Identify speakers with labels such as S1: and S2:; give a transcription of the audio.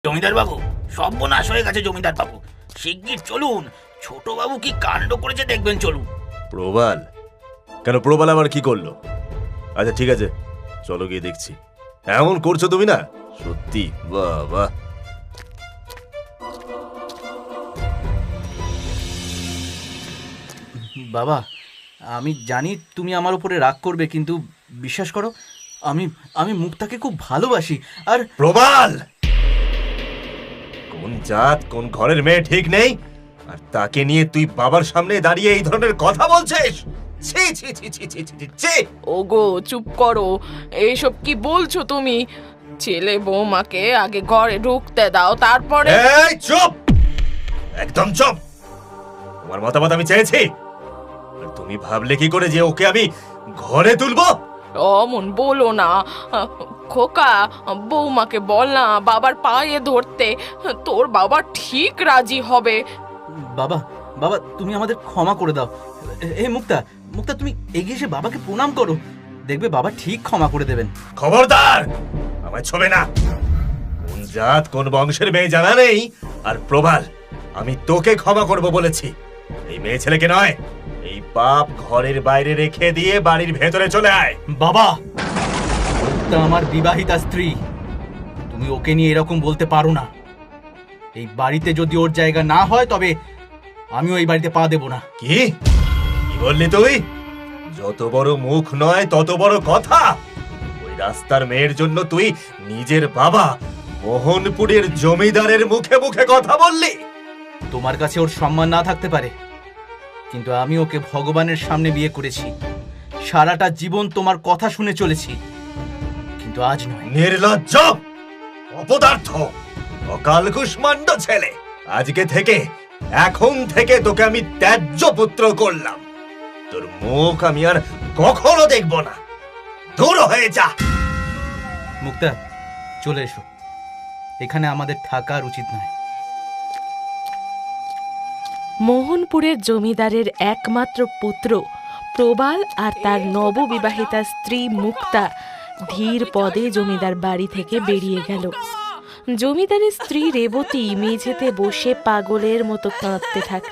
S1: জমিদার বাবু, সর্বনাশ হয়ে গেছে জমিদার বাবু। শিগগির চলুন, ছোট বাবু কি কাণ্ড করেছে দেখবেন, চলুন।
S2: প্রবাল? কেন, প্রবাল আবার কি করলো? আচ্ছা ঠিক আছে, চলো গিয়ে দেখছি। এমন করছো তুমি না, সত্যি বাহ বাহ।
S3: বাবা, আমি জানি তুমি আমার উপরে রাগ করবে, কিন্তু বিশ্বাস করো, আমি আমি মুক্তাকে খুব ভালোবাসি। আর
S2: প্রবাল, কোন জাত কোন ঘরের মেয়ে ঠিক নেই, আর তাকে নিয়ে তুই বাবার সামনে দাঁড়িয়ে এই ধরনের কথা বলছিস? ছি ছি ছি ছি ছি ছি ছি।
S4: ওগো চুপ করো, এইসব কি বলছো তুমি? ছেলে বৌমাকে আগে ঘরে ঢুকতে দাও, তারপরে।
S2: এই চুপ, একদম চুপ। তোমার মতামত আমি চেয়েছি, আর তুমি ভাবলে কি করে যে ওকে আমি ঘরে তুলবো?
S4: অমন বলো না খোকা, বৌমাকে বল না বাবার পায়ে ধরতে, তোর বাবা ঠিক রাজি হবে।
S3: বাবা, বাবা তুমি আমাদের ক্ষমা করে দাও। এ মুক্তা, মুক্তা তুমি এগিয়ে এসে বাবাকে প্রণাম করো, দেখবে বাবা ঠিক ক্ষমা করে দেবেন।
S2: খবরদার, আমায় ছবে না। কোন জাত কোন বংশের মেয়ে জানা নেই। আর প্রবাল, আমি তোকে ক্ষমা করব বলেছি, এই মেয়ে ছেলেকে নয়। এই পাপ ঘরের বাইরে রেখে দিয়ে বাড়ির ভেতরে চলে আয়।
S3: বাবা, মুক্তা আমার বিবাহিতা স্ত্রী, তুমি ওকে নিয়ে এরকম বলতে পারো না। এই বাড়িতে যদি ওর জায়গা না হয়, তবে আমিও এই বাড়িতে পা দেব না।
S2: কি কি বললি তুই? যত বড় মুখ নয় তত বড় কথা। ওই রাস্তার মেয়ের জন্য তুই নিজের বাবা মোহনপুরের জমিদারের মুখে মুখে কথা বললি?
S3: তোমার কাছে ওর সম্মান না থাকতে পারে, কিন্তু আমি ওকে ভগবানের সামনে বিয়ে করেছি। সারাটা জীবন তোমার কথা শুনে চলেছি, কিন্তু আজ নয়।
S2: নির্লজ্জ, অপদার্থ, অকাল কুষ্মাণ্ড ছেলে। আজকে থেকে, এখন থেকে তোকে আমি ত্যায্য পুত্র করলাম। তোর মুখ আমি আর কখনো দেখব না। দূর হয়ে যা।
S3: মুক্তা, চলে এসো, এখানে আমাদের থাকা উচিত নয়।
S4: মোহনপুরের জমিদারের একমাত্র পুত্র প্রবাল আর তার নববিবাহিতা স্ত্রী মুক্তা ধীর পদে জমিদার বাড়ি থেকে বেরিয়ে গেল। জমিদারের স্ত্রী রেবতী মেঝেতে বসে পাগলের মতো কাঁদতে থাকল।